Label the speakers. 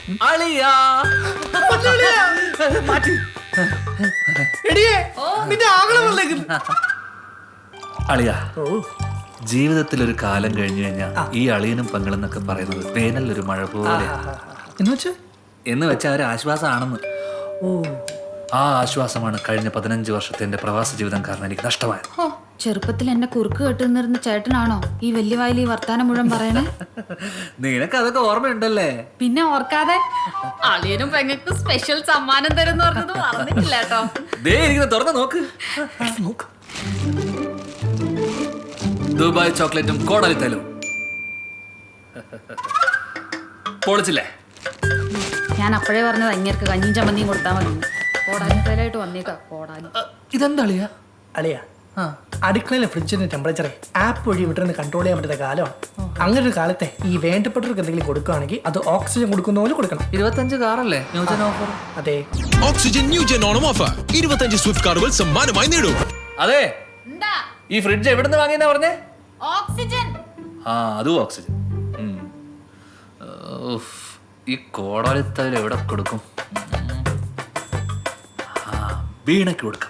Speaker 1: അളിയാ
Speaker 2: നിന്റെ ആകളം വന്നേക്കുന്നു.
Speaker 1: അളിയാ, ജീവിതത്തിൽ ഒരു കാലം കഴിഞ്ഞു കഴിഞ്ഞാൽ ഈ അളിയനും പെങ്ങളെന്നൊക്കെ പറയുന്നത് വേനലൊരു മഴ പോലെ എന്ന് വെച്ചാൽ ഒരു ആശ്വാസമാണെന്ന്. ആ ആശ്വാസമാണ് കഴിഞ്ഞ 15 വർഷത്തെ എന്റെ പ്രവാസ ജീവിതം കാരണം എനിക്ക് നഷ്ടമായത്.
Speaker 3: ചെറുപ്പത്തിൽ എന്നെ കുറുക്ക് കെട്ടുന്നിരുന്ന ചേട്ടനാണോ ഈ വലിയ വായിൽ ഈ വർത്താനം മുഴുവൻ പറയണേ?
Speaker 1: നിനക്ക് അതൊക്കെ ഓർമ്മയുണ്ടല്ലേ?
Speaker 3: പിന്നെ ഓർക്കാതെ അളിയനും പെങ്ങൾക്കും സ്പെഷ്യൽ സമ്മാനം തരുമെന്ന് പറഞ്ഞത് പറഞ്ഞിട്ടില്ല കേട്ടോ.
Speaker 1: ദേ ഇരിക്കുന്ന തുറന്ന് നോക്ക്. ദുബായ് ചോക്ലേറ്റും കോടാലിത്തലും പൊളിച്ചില്ലേ?
Speaker 3: ഞാൻ അപ്പോഴേ പറഞ്ഞത് അങ്ങേർക്ക് കഞ്ഞിയും ചമ്മന്തിയും കൊടുത്താൽ മതി. കോടാലിത്തലായിട്ട് വന്നേക്കാ. കോടാലി
Speaker 1: ഇതെന്താ അളിയാ?
Speaker 2: അളിയാ, അടുക്കളയിലെ ഫ്രിഡ്ജിന്റെ ടെമ്പറേച്ചറെ ആപ്പ് വഴി വിട്ടിരുന്ന് കൺട്രോൾ ചെയ്യാൻ പറ്റുന്ന കാലമാണ്. അങ്ങനെ ഒരു കാലത്തെ ഈ വേണ്ടപ്പെട്ടവർക്ക് എന്തെങ്കിലും കൊടുക്കുകയാണെങ്കിൽ അത് ഓക്സിജൻ കൊടുക്കുന്ന പോലെ കൊടുക്കണം.
Speaker 1: 25 കാറല്ലേ ന്യൂജൻ ഓഫർ?
Speaker 2: അതെ,
Speaker 4: Oxygen new gen Onam offer 25 Swift കാറുകൾ സമ്മാനമായി നേടൂ.
Speaker 1: അതെ, ഈ ഫ്രിഡ്ജ് എവിടുന്ന് വാങ്ങിയെന്നാ പറഞ്ഞേ?
Speaker 3: ഓക്സിജൻ.
Speaker 1: അതും ഓക്സിജൻ. ഈ കോടാലിത്തൽ എവിടെ കൊടുക്കും? വീണയ്ക്ക് കൊടുക്കാം.